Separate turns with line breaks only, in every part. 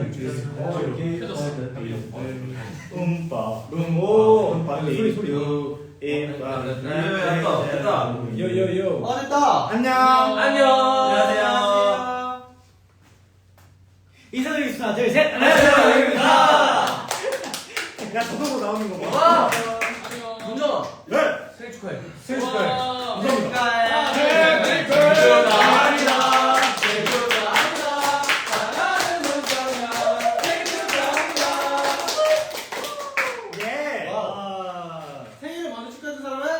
됐다.
요요요.
됐다.
안녕.
안녕하세요.
인사드리겠습니다. 하나, 둘, 셋.
안녕하세요.
야, 저도 나오는 거 봐.
와. 문정아.
네.
생일 축하해.
생일 축하해. 감사합니다.
생일 축하합니다. 생일 축하합니다. 사랑하는 문정아. 생일 축하합니다.
예.
생일을 먼저 축하해준 사람은?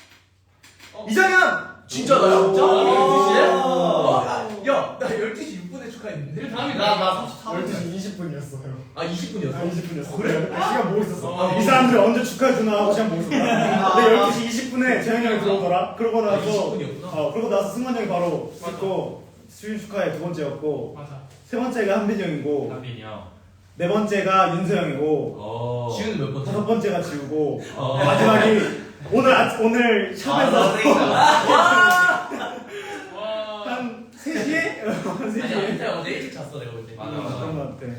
이정현.
진짜 나야? 진짜?
와.
12시에? 야, 나 12시 6분에 축하했는데?
그 다음이 나
12시 20분이었어요.
아, 20분이었어?
20분이었어.
그래?
시간 보고 있었어. 이 사람들 언제 축하해주나 하고 시간 보고 있었어. 근데 12시 20분에 재현이 형이 들어오더라. 그러고 나서
20분이었구나.
그러고 나서 승관 형이 바로 찍고 수윤 축하해 두 번째였고
맞아.
세 번째가 한빈이 형이고
한빈이 형.
네 번째가 윤서 형이고
지우는 몇 번째?
다섯 번째가 지우고 마지막이 오늘 샵에서 한 3시에? 한 3시에?
아니야, 그때 어제 일찍 잤어, 내가 볼 때.
맞아.
그런 것 같아.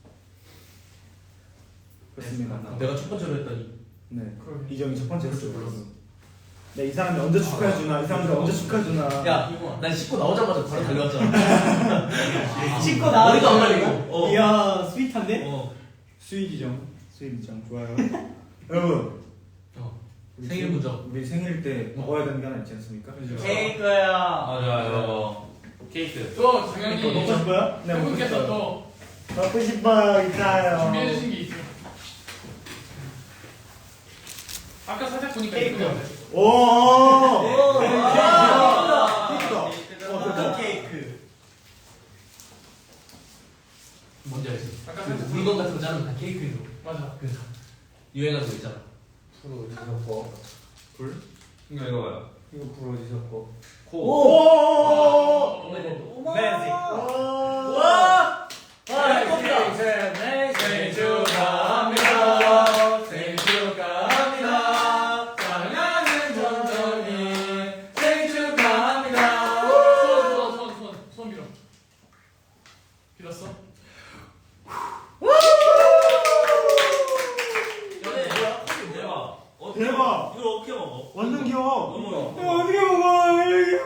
그렇습니다.
내가 첫 번째로 했더니.
네. 이정이 첫 번째였어. 네, 이 사람이 언제 축하해주나, 이 사람들 언제 축하해주나.
야, 난 씻고 나오자마자 바로 달려왔잖아.
씻고
머리도 안 말리고.
이야, 스윗한데?
수익이정. 수익이정. 좋아요. 여러분. 우리
생일 문정.
우리 생일 때 먹어야 되는 게 하나 있지 않습니까?
케이크야.
맞아요. 케이크.
또
이거
장현이
먹고 싶어요? 네, 먹고
팬분께서
싶어요.
또
먹고 싶어요. 있어요.
준비해주신 게 있어요. 아까 살짝 보니까
케이크.
예쁘게
오.
케이크다. 케이크.
뭔지 알지?
아까 살짝
물건 같은 거 자르면 다 케이크로.
맞아.
그 유행하는 거 있잖아.
불 어디서 섞어? 불?
이거 봐요.
이거 불 어디서 섞어?
코.
오!
매직.
와!
생일 축하합니다. 생일 축하합니다. 사랑하는 정정이 생일 축하합니다. 손 빌어. 빌었어?
대박!
이걸 어떻게 먹어?
완전 귀여워.
너무
야, 어떻게 먹어?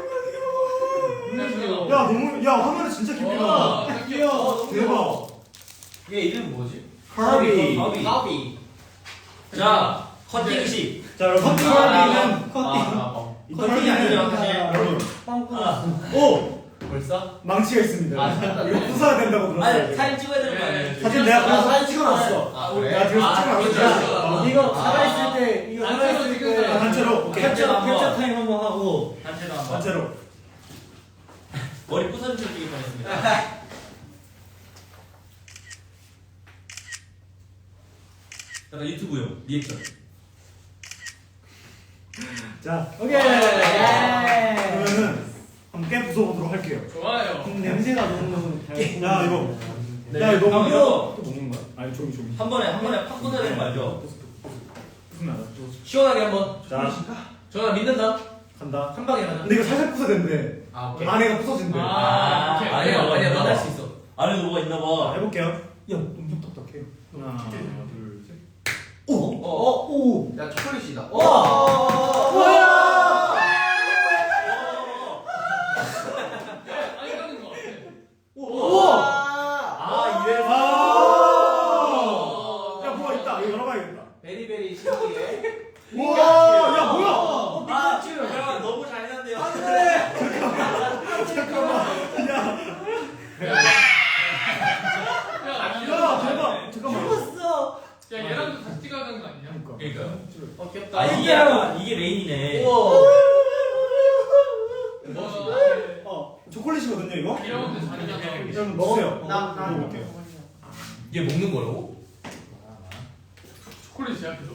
야, 너무 야, 화면에 진짜 깊이 나.
귀여워.
대박.
얘 이름 뭐지?
카비.
카비.
자, 커팅식.
자, 여러분, 카비는
커팅이 아니죠, 사실.
여러분.
빵꾸났어.
오!
벌써?
망치가 있습니다.
아, 잠깐.
이거 부숴야 된다고 들었어요.
아니, 사진 찍어야 되는 거 아니에요?
사진 내가 그래서
사진
찍어놨어.
아, 그래?
야, 그래서 찍어놨어.
이거 살아있을 때 이거 살아있을 때
단체로. 오케이.
캡처
타임 한번 하고
단체로 한번.
단체로.
머리 부서지기 뻔했습니다. 약간 유튜브용 리액션.
자,
오케이.
그러면은 함께 부숴보도록 할게요.
좋아요.
냄새가 너무 야, 이거.
네.
야, 이거
아,
너무
이거.
또 먹는 거야? 아니, 조기.
한 번에 팍 끊어야 되는 거 알죠?
무슨 말이야?
시원하게 한번.
자,
전화 믿는다.
간다.
한 방에 하나.
근데 이거 살살 부숴야 된대.
아, 오케이.
안에가 부서진대.
아, 오케이.
아니야, 넌 할 수 있어.
안에 뭐가 있나
자,
봐.
해볼게요. 야, 엄청 딱딱해. 하나, 둘, 셋.
오.
야 초콜릿이다. 아니 하는 거 같아.
아, 이래서.
야, 뭐가 있다. 이거 열어봐야겠다.
베리베리 신기해.
우와, 야, 뭐야?
아, 야, 너무 잔인한데요.
야, 대박. 잠깐만.
야 얘랑도 같이 찍어야 하는 거 아니냐?
그러니까요.
귀엽다.
아, 이게 메인이네.
우와.
초콜릿이거든요, 이거?
이러는데 잔인하다.
여러분 먹으세요.
나
먹어볼게요.
얘 먹는 거라고?
초콜릿이야 계속.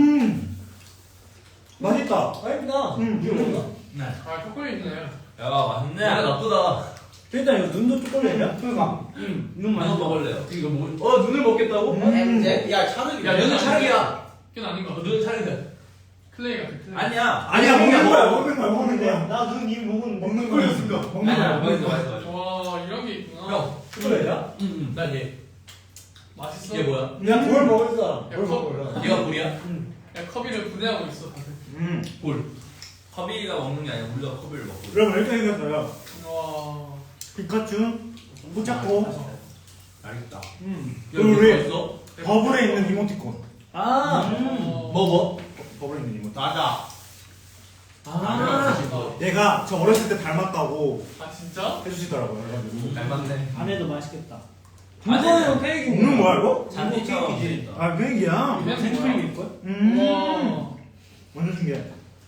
맛있다.
맛있다.
이거 먹나?
네.
아 초콜릿 있네.
야, 맛있네.
얘가 나쁘다.
일단 이거 눈도 초콜릿이야?
그러니까.
눈
이거 먹을래요.
이거 뭐? 눈을 먹겠다고?
야 차르기.
야, 눈은 찰기야.
그건 아닌 거 같아.
눈은 찰기야.
클레이 같아. 클레이.
아니야.
아니야, 먹는 거야, 먹는 거야, 먹는 거야.
나눈 이미
먹는 거였으니까. 먹는
아니야,
거야.
맛있어.
와 이런 게 있구나.
형.
초콜릿이야?
난 얘.
맛있어?
이게 뭐야?
그냥 뭘 먹었어.
야,
뭘
컵.
먹었어.
얘가 물이야?
야 커비를 분해하고 있어 다들.
볼.
커비가 먹는 게 아니라 우리가 커비를 먹고.
여러분 이렇게 생겼어요.
와.
피카츄, 포착고,
알겠다.
그리고 우리
있어?
버블에 있는 이모티콘.
뭐?
버블에 있는 이모티콘.
맞아.
얘가 저 어렸을 때 닮았다고
아 진짜?
해주시더라고요. 그래가지고.
닮았네.
안에도 맛있겠다.
이거는
케이크.
먹는 거야 이거?
잔디처럼 돼 있다.
아 케이크야.
이게
생크림일걸?
와.
완전 신기해.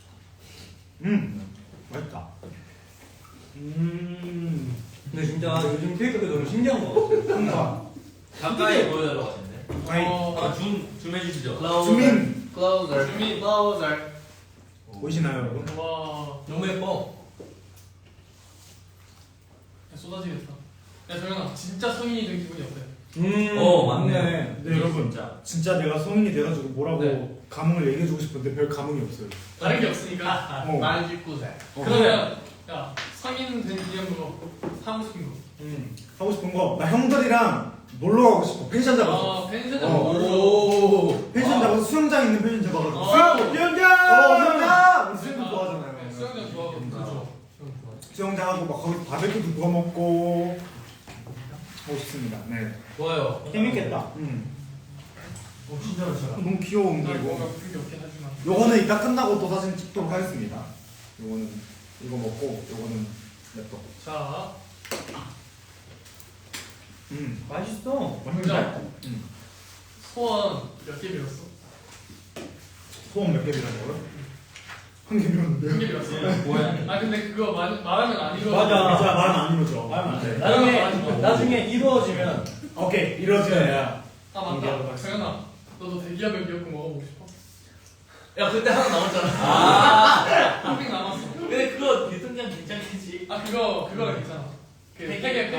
맛있다.
근데 진짜 요즘 케이크가 너무 신기한 거 같아.
가까이 보여달라고 하시는데.
아니
어.
줌 해주시죠.
주민
클라우저.
주민 클라우저.
보이시나요 여러분?
와.
너무 예뻐.
야, 쏟아지겠다. 야 정현아 진짜 성인이 된 기분이 어때?
맞네.
네 여러분 진짜 내가 성인이 돼가지고 뭐라고
네.
감흥을 얘기해주고 싶은데 별 감흥이 없어요.
다른 게 없으니까.
어.
만 19세.
그러면 야 성인 된 기념으로 하고 싶은 거.
하고 싶은 거 나 형들이랑 놀러 가고 싶어. 펜션 잡아서.
아 펜션
오.
펜션 잡아서 수영장 있는 펜션 잡아가지고.
수영장!
수영장! 우리 수영장
네,
좋아하잖아요.
수영장 좋아하거든. 그죠?
수영장하고 막 거기 바베큐도 구워 먹고 하고 싶습니다. 네.
좋아요.
재밌겠다.
진짜 맛있어.
너무 귀여운 거
난 뭔가
이거.
그게 없긴 하지만.
요거는 이따 끝나고 또 사진 찍도록 하겠습니다. 요거는 이거 먹고 요거는 냅둬.
자,
맛있어.
문장.
음.
소원 몇 개 빌었어?
소원 몇 개 빌은 거요? 한 개 빌었는데요.
한 개 빌었어.
뭐야?
아 근데 그거 말하면 안 이루어.
맞아.
진짜 말은 안 이루어져.
말하면 안 돼.
나중에-
나중에 이루어지면
오케이 이루어져야.
아 맞다. 정현아, 너도 대기업에 미역국 먹어보고 싶어?
야 그때 하나 남았잖아.
한빙 남았어.
근데 그거 유통기한 괜찮겠지?
아 그거가 괜찮아. 그 팩에.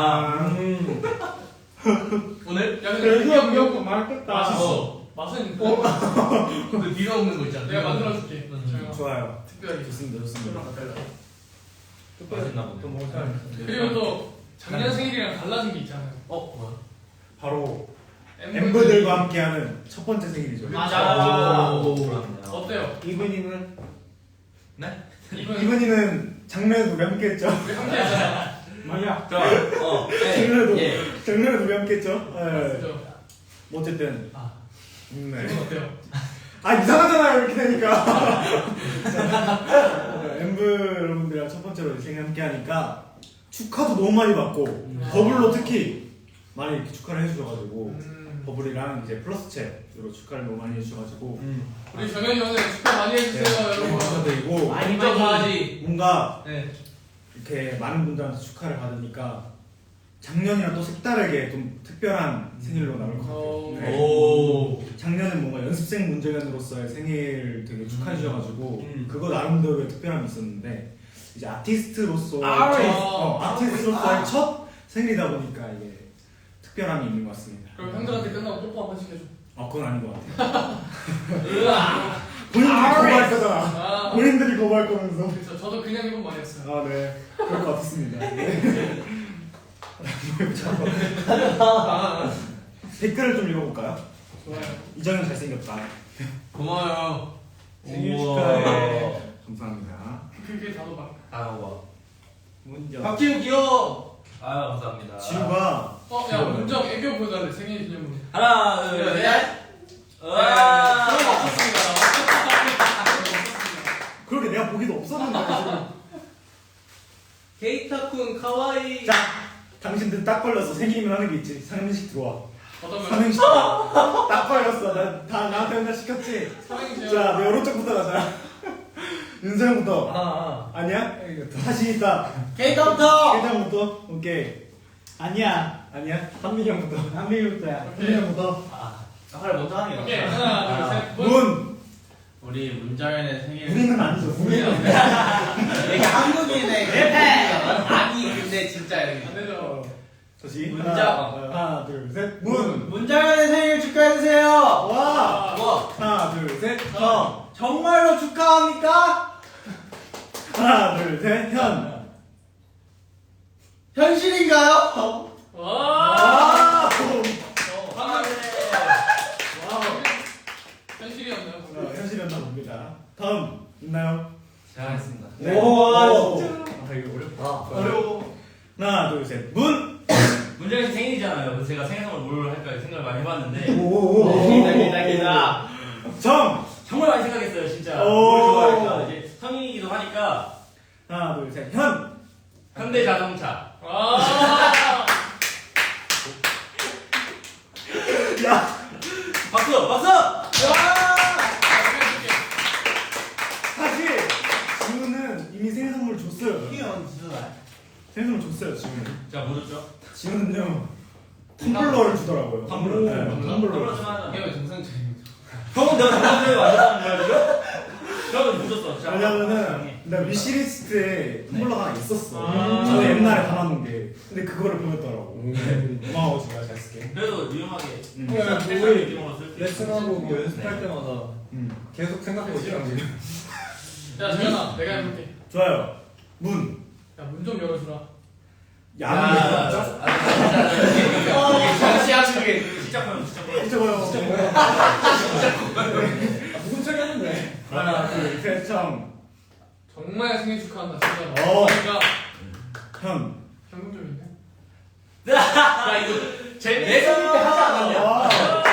오늘?
야 근데 대기업 미역국
맛있겠다.
맛있어. 맛은
그 네가 먹는 거 있잖아.
내가 만들어줄게. 정현아.
좋아요.
특별히.
좋습니다. 좋습니다.
맛있나 보네.
또 먹을까요?
그리고 또 작년 생일이랑 달라진 게 있잖아요.
뭐야?
바로 멤버들과 함께하는 첫 번째 생일이죠.
맞아.
오.
어때요?
이분이는
네?
이분
이분이는 작년에도 우리 함께했죠.
우리 함께 했잖아.
맞아.
작년에도
예.
작년에도 우리 함께했죠. 네.
그죠?
뭐 어쨌든
아.
네.
이분 어때요?
아 이상하잖아요 이렇게 되니까. 엠브 여러분들이랑 첫 번째로 생일 함께 하니까 축하도 너무 많이 받고 버블로 특히 많이 이렇게 축하를 해주셔가지고 버블이랑 이제 플러스 챗으로 축하를 너무 많이 해주셔가지고
우리 정현이 오늘 축하 많이 해주세요 여러분.
감사드리고
많이
인정
많이.
가야지.
뭔가
네.
이렇게 많은 분들한테 축하를 받으니까 작년이랑 또 색다르게 좀 특별한 생일로 남을 것 같아요. 네.
오.
작년은 뭔가 연습생 문정현으로서의 생일 되게 축하해 주셔가지고 그거 나름대로의 특별함이 있었는데 이제 아티스트로서의 아티스트로서의 첫 생일이다 보니까 이게 특별함이 있는 것 같습니다.
그럼 형들한테 끝나고 뽀뽀 한 번씩 해줘.
아 그건 아닌 것 같아요. 본인들이 거부할 거잖아.
아,
본인들이 거부할 거면서.
그렇죠. 저도 그냥 이번 말이었어요.
아 네. 그럴 것 같았습니다. 네. 댓글을 좀 읽어볼까요?
좋아요.
이정현 잘생겼다.
고마워요.
생일
우와.
축하해. 감사합니다.
그게 다도 막.
와.
문정.
박지우 귀여워.
아유 감사합니다.
지우가
야 문정 애교 보여달래 생일 기념으로.
하나 둘
네.
셋.
그런 거 없었습니다.
그렇게 내가 보기도 없었는데 지금.
케이타쿤 카와이.
자, 당신들 딱 걸렸어. 생일이면 하는 게 있지. 삼행식 들어와.
어떤 거?
삼행식. 딱 걸렸어. 다 나한테 맨날 시켰지.
사행시요.
자, 내 오른쪽부터 가자. 윤서형부터. 아니야? 다시 있다.
케이타부터.
회장부터. 오케이.
아니야.
아니야?
한민이 형부터. 한민이부터야.
오케이.
한민형부터.
빨리 먼저 하는 게
오케이
낫다.
하나 둘 셋. 문.
문.
우리 문정현의 생일.
우리는 아니죠. 우리는.
이게 한국인의 아니 근데 진짜 여기.
안 되죠.
다시.
문자.
하나, 둘, 셋. 문.
문장현의 생일 축하해주세요.
와.
뭐?
하나, 둘, 셋. 형.
정말로 축하합니까?
하나, 둘, 셋. 현.
현실인가요?
와.
와.
생일이잖아요. 그래서 제가 생일 선물 뭘 할까 생각을 많이 해봤는데
오오오.
기다.
정.
정말 많이 생각했어요, 진짜.
오.
뭘 좋아할까? 이제 성인이기도 하니까
하나 둘 셋. 현.
현대자동차.
아.
야.
박수, 박수.
사실 지우는 이미 생일 선물 줬어요. 생일 선물 줬어요 지우는.
자, 뭐 줬죠?
지우는요 텀블러를 주더라고요.
텀블러.
네, 텀블러.
텀블러 좀 하자.
이게 왜 정상적인
형은 내가 정상적으로 만들었다는 거야 지금? 형은 못 줬어. 자,
왜냐면은 나 위시리스트에 텀블러가 하나 있었어.
아.
저도 옛날에 담아놓은 게. 근데 그거를 보냈더라고. 고마워 지우야 잘 쓸게.
그래도 유용하게.
야,
패션
우리
느낌으로 쓸 수 있어.
레슨하고 뭐 연습할 때마다 계속 생각하고 있어요 지금.
야 정현아, 내가 해볼게.
좋아요. 문.
야 문 좀 열어주라.
야는 왜 진짜?
장시하시게
진짜 커요, 진짜 커요.
진짜 뭐요?
진짜 뭐야? 무슨 척 했는데?
하나 둘셋 정.
정말 생일 축하한다 진짜.
어.
그러니까
현.
현금 좀 있네.
야 이거 내 생일 때 하지 않았냐?
와.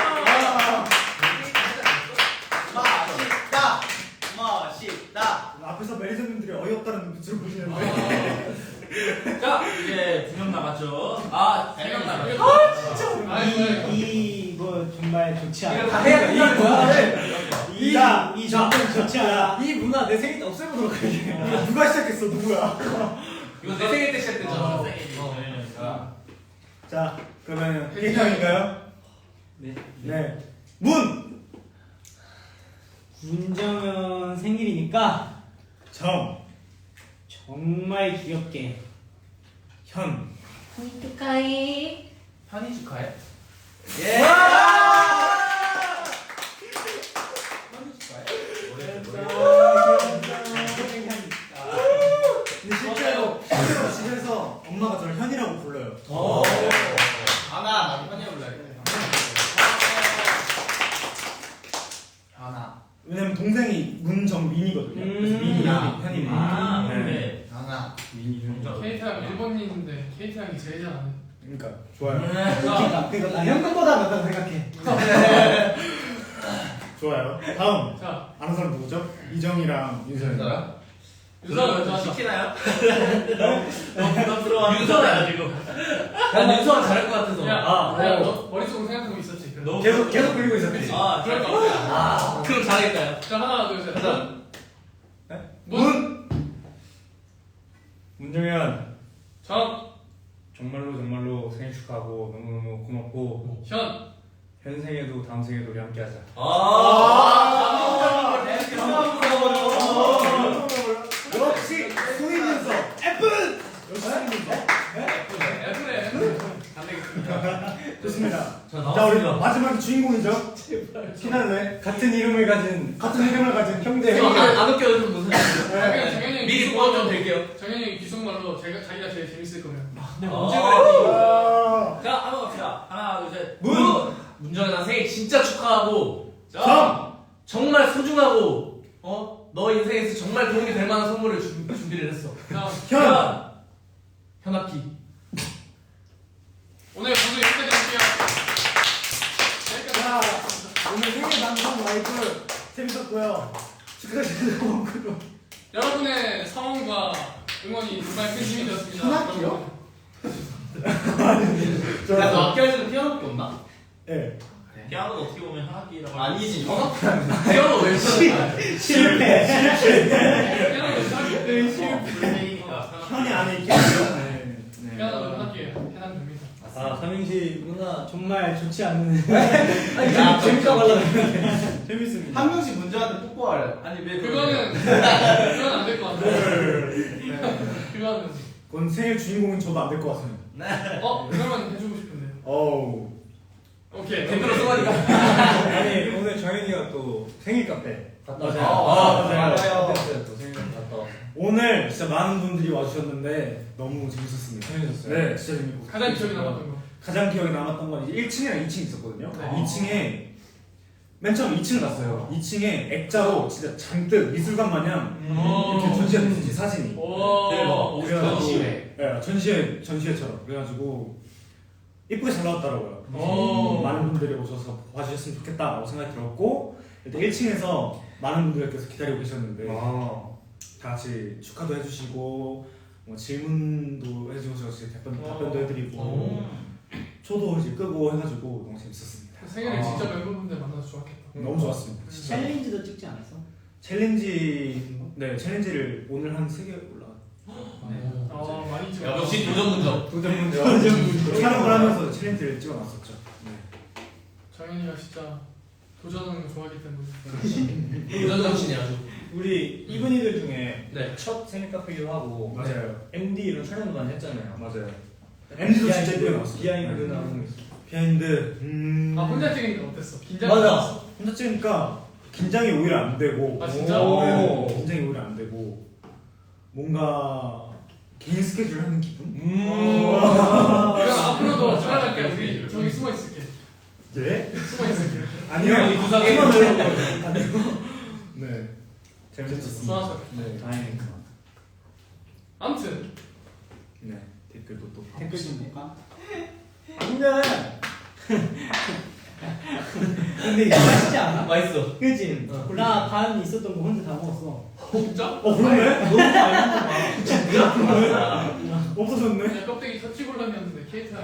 맛있다 맛있다.
앞에서 매니저님들이 어이없다는 눈빛을 보시는데.
자, 이제 2명 남았죠. 아, 3명 남았죠.
아이고.
이거 정말 좋지 않아.
이거 다 해야 돼. 이거 뭐야?
이 정도는 좋지 않아.
이 문화 내 생일 때 없애보도록 할게.
이거 누가 시작했어? 누구야?
이거 내 생일 때 시작됐잖아.
생일이니까.
자, 그러면 개형인가요?
네.
네. 문.
문정현 생일이니까
정.
정말 귀엽게.
현.
축하해.
현이 축하해.
예!
근데 실제로 집에서 엄마가 저를 현이라고 불러요.
하나 나도 현이 불러야겠다. 하나
왜냐면 동생이 문정민이거든요. 그래서 민이 현이
아,
네.
네.
하나.
케이트랑 일본인인데 케이트랑이 제일 잘하네.
그러니까 좋아요.
그러니까 나 현금보다 낫다고 생각해.
좋아요. 다음
자
아는 사람 누구죠? 이정이랑 윤서연.
유선 먼저 하자.
시키나요? 너무 부담스러워.
윤서야 지금. 난 윤서가 잘할 것 같아서.
야,
아,
너 머릿속으로 생각한 거 있었지? 그래.
너무
계속 그리고 있었지.
아,
그러니까.
아 그럼 잘하겠다.
자 하나 둘 셋.
가자.
문.
문정현
정.
정말로 생일 축하하고 너무너무 고맙고
현.
현 생에도 다음 생에도 우리 함께하자.
역시 소희윤서. F. 역시 소희윤서.
애플에.
좋습니다.
자,
자 우리
나왔습니다.
마지막 주인공이죠. 피날레.
같은 이름을 가진
같은 이름을 가진 형제.
안 웃겨도 무슨
그냥 정현이 형이
미리
귀속
보완 좀
말로-
될게요.
정현이 형이 귀속말로 자기가 제일 재밌을 거면.
언제
아.
자, 한번 갑시다. 하나, 둘, 셋.
문정현아 생일 진짜 축하하고
정.
정말 소중하고 너 인생에서 정말 도움이 될 만한 선물을 준비를 했어.
자
현.
현악기.
오늘 방송 여기까지 할게요.
자 오늘 생일 방송 라이브 재밌었고요. 축하드리고 고맙고요.
여러분의 사랑과 응원이 정말 큰 힘이 되었습니다.
현악기요?
야, 너 악기 할 때는 피아노밖에 없나?
네.
피아노도 어떻게 보면 하악기라고.
아니지. 피아노 왜 치는
실패.
피아노도 현악기.
불매니까.
현이 안에 있겠죠. 네.
피아노도 현악기예요. 해당됩니다.
아 삼행시 문화
정말 좋지 않은.
야, 재밌다 말라.
재밌습니다.
한 명씩 문정현한테 뽀뽀하래.
아니, 왜
그거는 안 될 것 같아요. 그거는
그건 생일 주인공인 저도 안 될 것 같습니다.
그러면 해주고 싶은데.
어우.
오케이.
댓글로 써가니까.
아니 오늘 정현이가 또 생일 카페 갔다
맞아요.
왔어요.
맞아요.
또 생일 카페 갔다 왔어.
오늘 진짜 많은 분들이 와주셨는데 너무 재밌었습니다.
재밌었어요?
네, 진짜 재밌고.
가장 기억에 남았던 거.
가장 기억에 남았던 건 이제 1층이랑 2층 있었거든요.
네.
2층에 맨 처음 2층을 갔어요. 2층에 액자로 진짜 잔뜩 미술관 마냥 이렇게 전시했는지 사진이.
음. 오. 네, 뭐.
대박. 오,
그래가지고-
전시회.
네, 전시회처럼. 그래가지고 이쁘게 잘 나왔더라고요.
오.
많은 분들이 오셔서 봐주셨으면 좋겠다라고 생각이 들었고 일단 1층에서 많은 분들께서 기다리고 계셨는데 다 같이 축하도 해주시고 뭐 질문도 해주셔서 답변도 해드리고 초도 이제 끄고 해가지고 너무 재밌었습니다.
생일에 진짜 멤버분들 만나서 좋았겠다.
너무 좋았습니다.
챌린지도 찍지 않았어?
챌린지를 오늘 한 3개 올라.
많이 찍어.
야, 역시 도전 문정.
도전 문제 촬영을 하면서 챌린지를 찍어놨었죠.
정현이가 진짜 도전하는 거 좋아하기 때문에.
도전 정신이 아주.
우리 이분이들 중에
네.
첫 생일 카페기도 하고
맞아요.
MD 이런 촬영도 많이 했잖아요.
맞아요. MD도 진짜 이쁘게 나왔어요.
비하인드 나오는 거 있어.
비하인드.
혼자 찍으니까 어땠어? 긴장?
맞아.
혼자 찍으니까 긴장이 오히려 안 되고.
아, 진짜?
네, 긴장이 오히려 안 되고 뭔가 개인 스케줄 하는 기분?
그럼 앞으로도 촬영할 때 우리 저기 숨어 있을게.
네?
숨어 있을게.
아니요.
이 구석에
아니요. 네. 재밌었습니다.
좋아서.
네, 다행입니다.
아무튼
네, 댓글도 또
댓글 좀 볼까?
안돼.
근데 이거 맛있지 않아?
맛있어.
그치?
어.
나 반 있었던 거 혼자 다 먹었어.
진짜?
그러네?
너무 많이 먹었나
없어졌네?
그냥 껍데기 터치골람이었는데 케이크가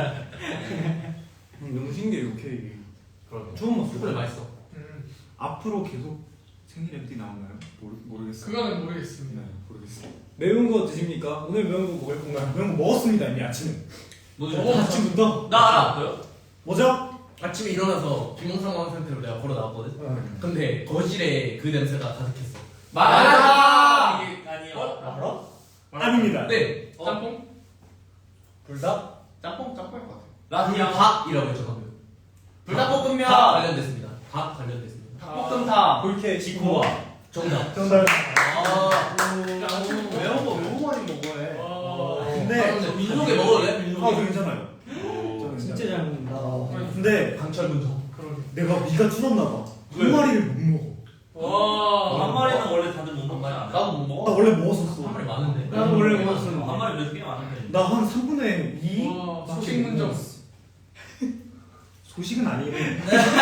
너무 신기해 이 케이크.
그럼.
처음 봤어.
초콜릿 맛있어.
앞으로 계속 생일 MD 나오나요? 모르겠어요.
그거는 모르겠습니다.
네, 모르겠어요.
매운 거 드십니까? 오늘 매운 거 먹을 건가요?
그런 거 먹었습니다 이미 아침에.
뭐죠?
아침부터?
나 알아. 뭐요?
뭐죠?
아침에 일어나서 비몽사몽한 상태로 내가 걸어 나왔거든. 근데 거실에 그 냄새가 가득했어.
맞아!
이게 아니야.
알아?
아닙니다.
네.
짬뽕?
불닭?
짬뽕일 것 같아. 나 그냥 밥이라고 했죠 방금. 불닭볶음면 관련됐습니다. 밥 관련됐습니다.
볶음탕.
볼케
지코와 정답.
정답.
아.
매운 거 너무 많이 먹어해.
근데
민속에 먹을래?
아,
민속에.
저 괜찮아요. 저는
진짜
괜찮아요.
잘 먹는다.
근데
강철 문정.
그러게.
내가 위가 줄었나 봐. 한 마리를 못 먹어.
와.
한 마리는 원래 다들 못 먹지 않아?
나도 못
나
먹어.
원래 먹었었어.
한 마리 많은데.
나도 원래 먹었어.
한 마리 그래도 꽤 많은데.
나 한 3분의 2?
와, 소식 문정.
소식은 아니네.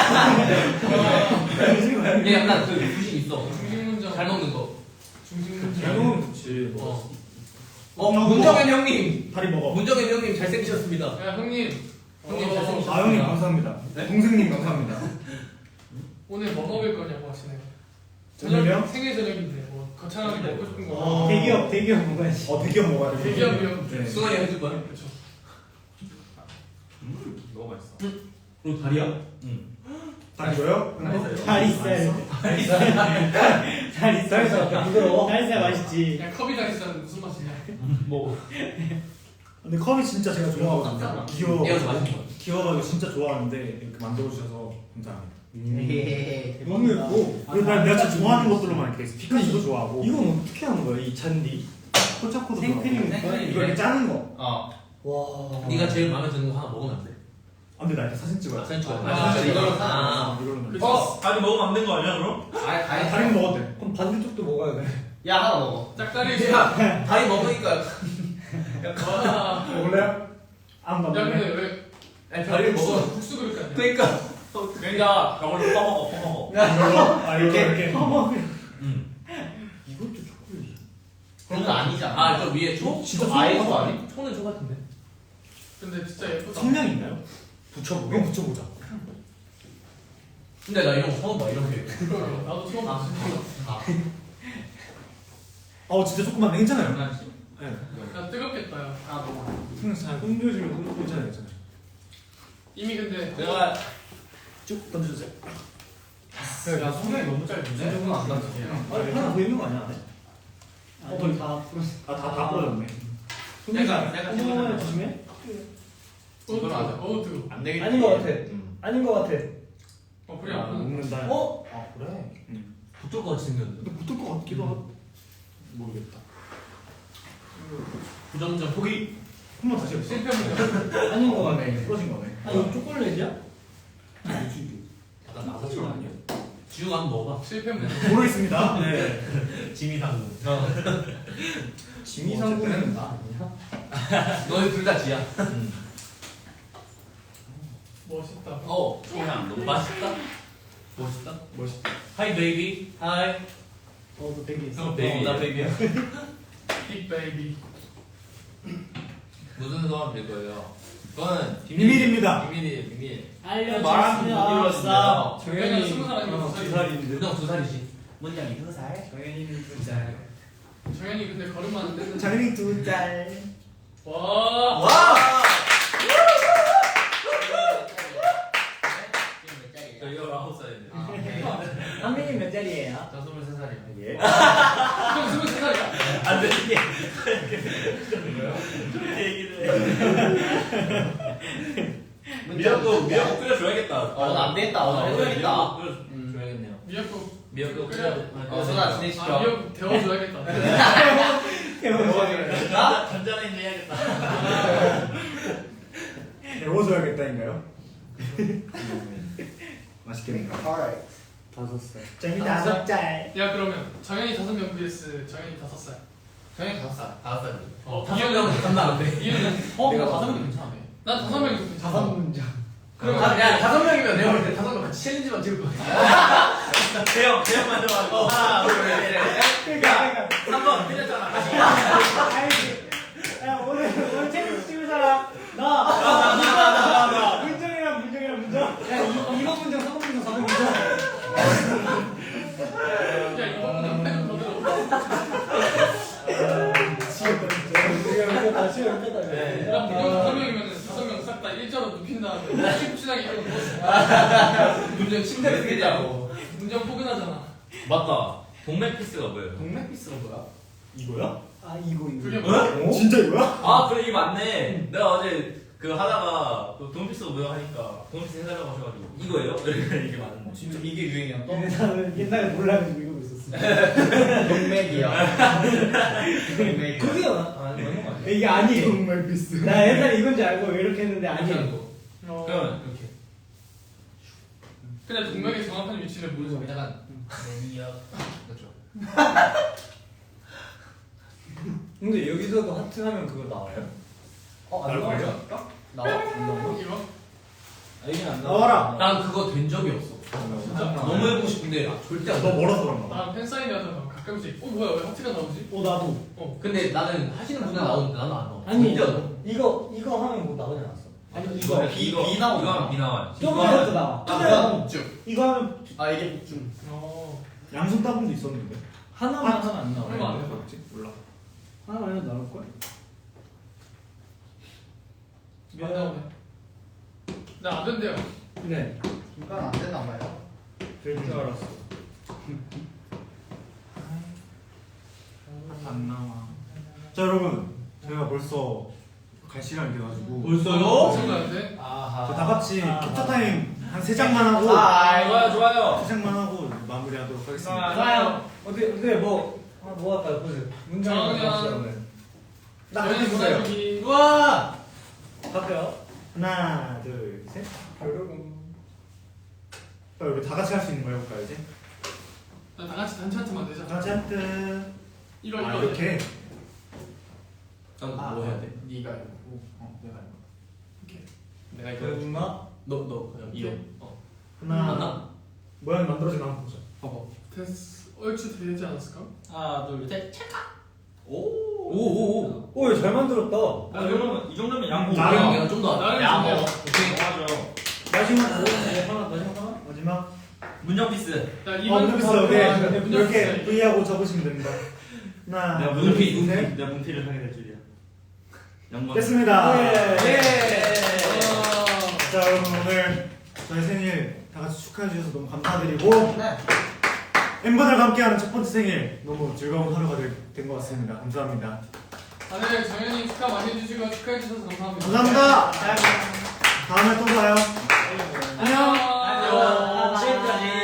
얘 약간 그 부심 있어.
중식 문정.
잘 먹는 거.
중식 문정.
잘 먹으면 좋지.
문정현 형님.
다리 먹어.
문정현 형님 잘생기셨습니다.
야 형님.
형님
어,
잘생기셨습니다.
아 형님 감사합니다.
네?
동생님 감사합니다.
오늘 뭐 먹을 거냐고 하시네요.
저녁이요?
생일 저녁인데 뭐 거창하게 먹고 싶은 거.
어.
대기업 먹어야지.
대기업 먹어야 돼.
대기업이요?
네.
승환이 해줄 거야?
그렇죠.
너무 맛있어.
그리고 다리야?
다리 줘요?
다리살. 다리살.
부드러워.
다리살 맛있지.
야 컵이 다리살은 무슨 맛이냐?
먹어.
근데 컵이 진짜 제가 좋아하거든요. 귀여워.
얘가 더 맛있는 거야.
귀여워가지고 진짜 좋아하는데 이렇게 만들어주셔서 감사합니다.
너무 예뻐.
그리고 내가 진짜 좋아하는 것들로만 이렇게 피카츄도 좋아하고
이건 어떻게 하는 거야 이 잔디?
콜차코도
생크림.
좋아하고 이거 이렇게 짜는 거.
어.
와.
네가 제일 마음에 드는 거 하나 먹으면 안 돼?
아 근데 나 이렇게 사진 찍어야 돼.
사진 찍어야 돼.
아,
진짜 이걸로
이걸로
그쵸.
아니 먹으면 안 된 거 아니야 그럼?
다리 먹어도 돼.
그럼 반대쪽도 먹어야 돼.
야 하나 먹어.
짝다리.
야 다리 먹으니까.
와.
먹을래요? 안
야
먹을래?
근데 왜
아니 다리를 먹어.
국수 그릇 같냐?
그러니까.
그러니까 저걸로 퍼먹어.
이걸로? 아 이렇게?
이것도 초콜릿.
그런 거 아니잖아. 아, 저 위에 초?
진짜
아예
초
초
아니?
아니? 초는 초 같은데.
근데 진짜 예쁘다.
성냥 있나요? 붙여보게? 이거 붙여보자.
근데 나 이런 거 처음 봐, 이렇게.
그러게. 나도 처음 봤어.
진짜 조금만 괜찮아요. 네.
야 뜨겁겠다 야.
그냥 잘 흔들어주면 괜찮아요, 괜찮아요.
이미 근데
내가
쭉 던져주세요.
야 성향이 너무 짧은데?
조금 안 닿게.
아니 하나 더 있는 거 아니야?
아니 다 풀었어.
다 부러졌네.
내가
손목을 조심해.
어우 뜨거. 어우 뜨거.
안 되겠지.
아닌 거 같아. 아닌 거 같아.
불이 안 붙는.
먹는다.
아 그래?
붙을 것 같이 생겼는데.
근데 붙을 것 같기도 하고. 모르겠다.
부정전 포기.
한번 다시 해보세요.
실패입니다.
아닌 거 같네.
부러진 거네.
아 이거 초콜릿이야?
약간 나사처럼 아니야? 지우가 한번 먹어봐.
실패입니다.
모르겠습니다. 네.
지미상무.
지미상구는 나 아니야?
너희 둘 다 지야.
멋있다.
그냥 너무 맛있다.
멋있다.
멋있다.
하이 베이비. 하이.
너 되게 있어.
형 베이비. 나 베이비야.
빅 베이비.
무슨 소감 될 거예요? 그거는
비밀입니다.
비밀이에요. 비밀.
알려줄
말하면
수
못
없어.
정현이 20살이고
두
2살이고.
살인데.
은영 2살이지.
문장이 2살. 정현이는 2살.
정현이 근데 걸음만 안 떼는.
장현이 2살.
와.
와.
저희가 9살인데.
한민이 몇 살이에요?
저 23살이에요.
예.
형 23살이야.
안 되지. 미역국 끓여줘야겠다.
안 되겠다. 오늘 해줘야겠다.
끓여줘야겠네요.
미역국.
미역국
끓여.
소나 진행시켜.
미역국 데워줘야겠다.
나?
전자레인지 해야겠다.
배워줘야겠다인가요? 맛있겠네요.
5살.
짱이 5살.
야 그러면 정현이 5명 vs 정현이 5살.
정현이 5살. 5살.
이유는
감당한데.
이유는
내가 5명 괜찮네.
난 5명이 좋대.
5문장.
그럼
야 5명이면 내가 볼 때 5명 같이 챌린지만 찍을 거야.
대형 먼저 하고. 하나, 둘, 셋.
그러니까.
3번 틀렸잖아.
야 오늘 챌린지 찍을 사람 나. 문정이랑 문정. 야 2번 문정, 3번 문정, 4번 문정.
야 이번 그냥 패는 더 들어.
시간 뺐다.
그럼 문정 5명이면은 5명 싹 다 일자로 눕힌 다음에 씩씩하게 이러고 누웠어.
문정 침대를 쓰자고.
문정 포근하잖아.
맞다. 동맥 피스가 뭐예요?
동맥 피스가 뭐야?
이거야?
아 이거.
그게
어?
뭐야?
진짜 이거야?
아 그래 이게 맞네. 내가 어제 그 하다가 그 동맥 피스가 뭐야 하니까 동맥 피스 해달라고 하셔가지고 이거예요? 이게 맞네.
진짜 이게 유행이야 또?
근데 나는 옛날에 몰라가지고 이러고 있었어.
동맥이야. 동맥.
그게
맞는 거 아니야?
이게 아니에요.
정말 비슷.
나 옛날에 이건지 알고 이렇게 했는데
이렇게 하는
아니에요.
거.
그러면
이렇게.
근데 동맥의 정확한 위치를 모르죠.
약간 매니악. 그렇죠.
근데 여기서도 하트 하면 그거 나와요?
안
나올걸요?
나와? 나와? 안 나와?
이거?
이긴 안
나와라.
난 그거 된 적이 없어.
진짜?
너무 해보고 싶은데 절대 안
너
돼.
멀어서 그런가 봐.
난 팬사인회 하다가 가끔씩 뭐야 왜 하트가 나오지?
나도.
근데 나는 하시는 분들 나오는데 나는 안 나와.
아니
절대 안 나와.
이거 하면 뭐 나오지 않았어? 아니 이거
비 나오는
이거 하면 비 나와요.
저번에도 나와.
아,
이거 하면
아 이게 복중.
양손 따분도 있었는데.
하나만 하면 안 나와.
얼마 안 돼.
뭐였지? 몰라.
하나만 해도 나올 걸?
안 나오네. 나안 된대요.
네.
중간 안 되나 봐요.
될 줄 알았어. 안 나와. 자 여러분, 저희가 벌써 갈 시간이 돼가지고
벌써요?
생각나는데?
아하.
저 다 같이 캡처 타임 한 3장만 하고
좋아요.
3장만 하고 마무리하도록 하겠습니다.
좋아요. 어떻게 뭐 할까요? 보세요. 문장이
정연.
나 같이 보세요.
여기.
우와.
갈게요.
하나, 둘, 셋.
여러분.
우리 다 같이 할 수 있는 거 해볼까요 이제?
다 같이 단체 하트만 내자.
다 같이 하트.
이거
아
이거.
이렇게.
난뭐 해야 돼? 네가 이거. 내가 이거. 내가 이거.
엄마.
너 그냥 이거.
하나.
맞나?
모양이 만들어지나 한번 보자.
봐봐.
됐어. 얼추 되지 않았을까?
하나 둘 셋.
오오오.
오, 잘 만들었다.
이 정도면 양보.
나름.
내가 좀 더.
나름
야,
좋네요.
오케이.
맞아요.
마지막
마지막 하나.
마지막.
문정 피스.
야
문피스
문정
이렇게
피스.
V하고 적으시면 됩니다. 하나,
내가
둘,
문피
셋.
내가 문피를 하게 될 줄이야. 양보.
됐습니다.
예.
자 여러분 오늘 저희 생일 다 같이 축하해 주셔서 너무 감사드리고
네.
멤버들과 함께하는 첫 번째 생일 너무 즐거운 하루가 된 것 같습니다. 감사합니다.
다들 정현이 축하 많이 해주시고 축하해 주셔서 감사합니다.
감사합니다. 다음에 또 봐요.
안녕.
안녕. 지금까지